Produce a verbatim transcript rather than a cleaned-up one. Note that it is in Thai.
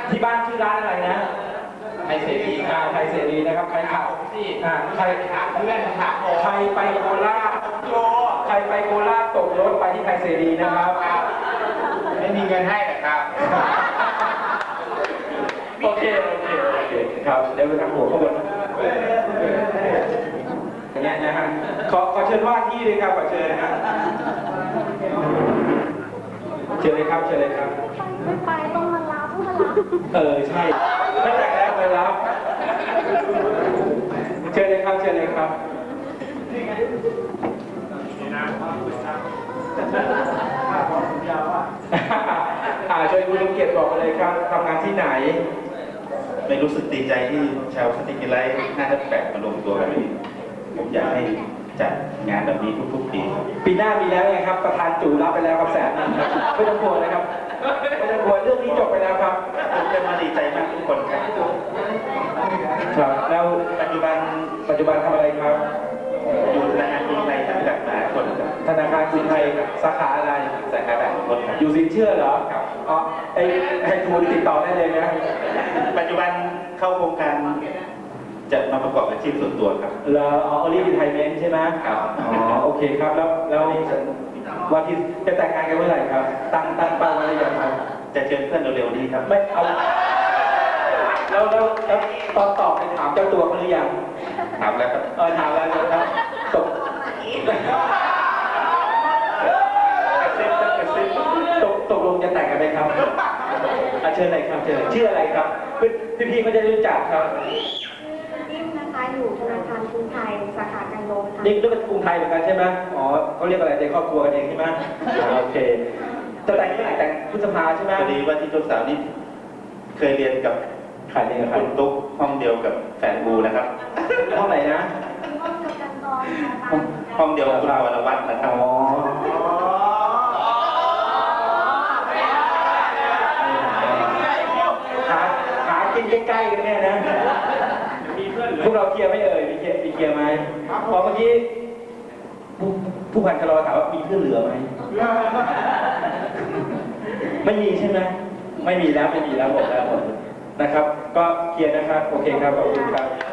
ที่บ้านชื่อร้านอะไรนะไทยเสรีคอ่ารับไทยเสรีนะครับใครขับที่อ่าใครถามเพื่อนถามผมใครไปโคราชโยใครไปโคราชตกรถไปที่ไทยเสรีนะครับครับไม่มีเงินให้หรอกครับโอเคโอเคโอเคครับเดี๋ยวไปทางหัวข้างบนอย่างเงี้ยนะฮะขอขอเชิญว่าที่เลยครับขอเชิญนะเชิญเลยครับเชิญเลยครับไม่ไปต้องมารับต้องมารับเออใช่ถ้าแต่งแล้วไปรับเชิญเลยครับเชิญเลยครับอ่าเชิญคุณลุงเกียรติบอกมาเลยครับทำงานที่ไหนไม่รู้สึกดีใจที่ชาวสติกิไลท์หน้าทับแปดมารวมตัวกันนี่ผมอยากให้จัดงานแบบนี้ทุกๆปีครับปีหน้ามีแล้วไงครับประธานจู่รับไปแล้วครับแสนนึงครับไม่ต้องกลัวนะครับไม่ต้องกลัวเรื่องนี้จบไปแล้วครับผมจะมาดีใจมากทุกคนครับครับแล้วปัจจุบันปัจจุบันทำอะไรครับอยู่ธนาคารกรุงไทยจำกัดมหาชนครับธนาคารกรุงไทยสาขาอะไรสาขาด่านขุนทดครับอยู่สินเชื่อเหรอครับอ๋อไอ้ให้ทูลติดต่อได้เลยนะปัจจุบันเข้าโครงการจะมาประกอบอาชีพส่วนตัวครับแล้วอ๋อ early retirement ใช่ไหมครับอ๋อโอเคครับแล้วแล้ววันที่จะแต่งงานกันเมื่อไหร่ครับ ตั้งตั้งเป้าไว้หรือยังครับจะเชิญเพื่อนเร็วๆนี้ครับไม่เอาแล้วแล้วแล้วตอนตอบไปถามเจ้าตัวเขาหรือยังถามแล้วครับเออถามแล้วนะครับตกตกตกลงจะแต่งกันไหมครับอาเชิญเลยครับเชิญชื่ออะไรครับพี่พี่ๆเขาจะรู้จักครับนิ่มนะคะอยู่ธนาคารกรุงไทยสาขากันลมค่ะนี่ด้วยเป็นกรุงไทยเหมือนกันใช่ไหมอ๋อเขาเรียกอะไรในครอบครัวกันเองใช่ไหมอ่าโอเคจะแต่งเมื่อไหร่แต่งพฤษภาใช่ไหมพอดีว่าที่เจ้าสาวนี่เคยเรียนกับขายเองกับใครคุณตุ๊กห้องเดียวกับแฟนบูนะครับห้องไหนนะห้องเดียวกันตอนนะคะห้องห้องเดียวกับคุณวรวัฒน์นะครับอ๋อหาหากินใกล้ๆกันเนี่ยนะพวกเราเคลียร์ไม่เอ่ยมีเคลียร์มีเคลียร์ไหมพอเมื่อกี้ผู้ผู้พันชะลอถามว่ามีเพื่อนเหลือไหมไม่มีใช่ไหมไม่มีแล้วไม่มีแล้วหมดแล้วหมดนะครับ ก็เคลียร์นะครับโอเคครับขอบคุณครับ